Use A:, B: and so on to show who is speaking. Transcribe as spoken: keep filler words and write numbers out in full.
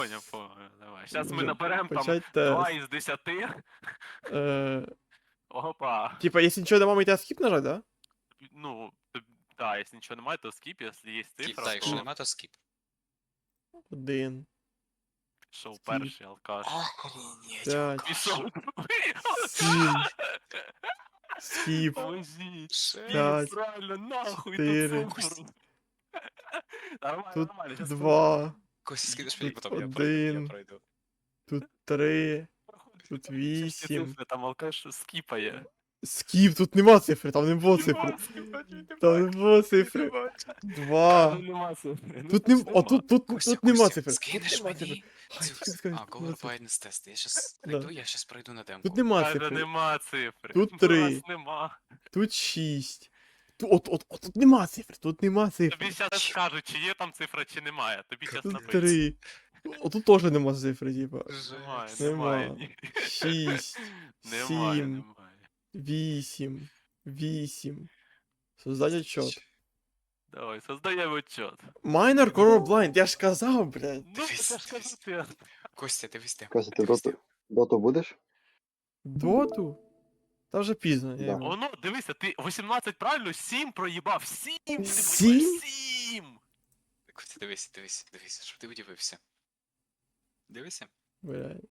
A: Поняв, поняв, давай. Зараз ми
B: Вже
A: наберемо там
B: почать
A: два
B: тест.
A: із десяти.
B: Е,
A: Опа.
B: Типа, якщо нічого немає, йти скіп нажать, да?
A: Ну, да, якщо нічого немає, то скіп, якщо є
C: Скіп,
A: цифра,
C: так, якщо
A: то
C: нема, то скіп.
B: Один,
A: пішов
B: Скіп.
A: перший алкаш.
C: Охренеть,
B: п'ять,
A: Пішов другий.
B: сім, скіп,
A: Поможіть.
C: Шесть.
B: п'ять,
A: Правильно, нахуй ту
B: чотири.
A: цифру. Нормально,
B: Тут
A: нормально. щас
B: два,
C: Костя, скинеш мені
B: Тут
C: потім, я пройду, я
B: один.
C: пройду.
B: тут три,
A: проходить.
B: тут
A: Там всі
B: вісім.
A: цифри, Там алкаш скіпає.
B: Скіп, тут нема цифри, там не було цифри.
A: Нема цифри,
B: Там не було цифри.
A: Кажу,
B: Два.
A: нема цифри. Ну,
B: Тут нем...
A: нема.
B: О, тут, тут,
C: Костя,
B: тут нема
C: Костя,
B: цифри. Тут
C: скинеш
B: нема цифри.
C: мені
B: Ай,
C: цю...
B: тільки скажи,
C: А,
B: тут нема
C: Color
B: цифри.
C: Blindness Test. Я щас
B: Да.
C: пройду, я щас пройду на демку.
B: Тут нема
A: Каже,
B: цифри.
A: нема цифри.
B: Тут
A: Ну,
B: три.
A: раз нема.
B: Тут шість. Тут, от, от, от, тут нема цифр, тут нема цифр.
A: Тобі зараз скажуть, чи є там цифра, чи немає. Тобі зараз
B: Тут
A: напишуть.
B: три. О, тут теж нема цифри, типа.
A: Немає,
C: Жесть.
A: немає.
B: Нема.
A: ні.
B: Шість.
A: Немає,
B: Сім.
A: немає.
B: Вісім. Вісім. Создать отчет.
A: Давай, создаємо отчет.
B: Minor Color Blind, я ж казав, блядь.
A: Ну,
C: Дивись,
A: я ж кажу,
C: дивись.
A: ти.
C: Костя, дивись демку.
D: Костя, ти
C: дивись
D: доту, доту будеш?
B: Доту? Та вже пізно.
D: Да.
B: Я... його-
A: Воно, дивися, ти вісімнадцять правильно, сім проїбав. сім! Ти
B: Сім?
A: поїбав, сім!
C: Костя, дивись, дивись, дивись, щоб ти удивився. Дивися.
B: Блядь.